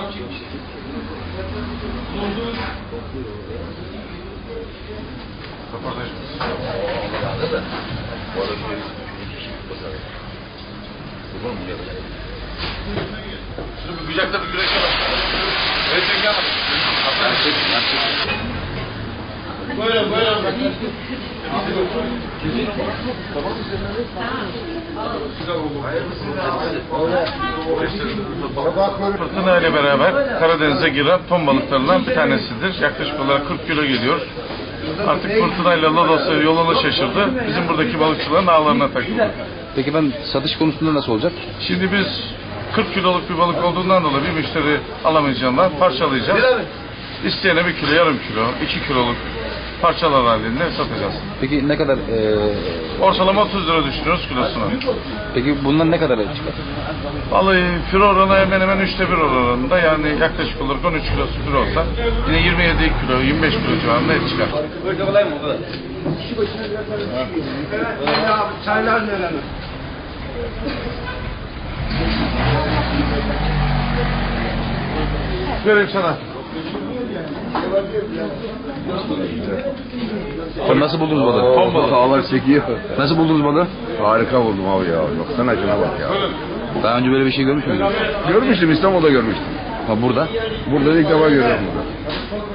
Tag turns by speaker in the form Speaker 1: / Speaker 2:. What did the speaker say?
Speaker 1: Şunu bir gücekte bir güreşe bak. Evet, çekin ama. Buyurun, buyurun.
Speaker 2: Fırtına ile beraber Karadeniz'e giren ton balıklarından bir tanesidir. Yaklaşık olarak 40 kilo geliyor. Artık fırtınayla Lodos'a yolunu şaşırdı. Bizim buradaki balıkçıların ağlarına takıldı.
Speaker 3: Peki ben satış konusunda nasıl olacak?
Speaker 2: Şimdi biz 40 kiloluk bir balık olduğundan dolayı bir müşteri alamayacağından parçalayacağız. İsteyene 1 kilo, yarım kilo, 2 kiloluk parçalar halinde satacağız.
Speaker 3: Peki ne kadar?
Speaker 2: Ortalama 30 lira düşünüyoruz kilosuna.
Speaker 3: Peki bundan ne kadar çıkar?
Speaker 2: Vallahi kilo oranı hemen hemen 1/3 oranında, yani yaklaşık olarak 13 kilosu kilo olsa yine 27 kilo, 25 kilo civarında et çıkar.
Speaker 1: Çaylar neler?
Speaker 2: Vereyim sana.
Speaker 3: Sen nasıl buldunuz balığı?
Speaker 2: Ton balığı.
Speaker 4: Ağlar çekiyor.
Speaker 3: Nasıl buldunuz balığı?
Speaker 4: Harika buldum abi ya. Baksana şuna bak ya.
Speaker 3: Daha önce böyle bir şey görmüş müydünüz?
Speaker 4: Görmüştüm, İstanbul'da görmüştüm.
Speaker 3: Ha burada?
Speaker 4: Burada ilk defa görüyorum bunu.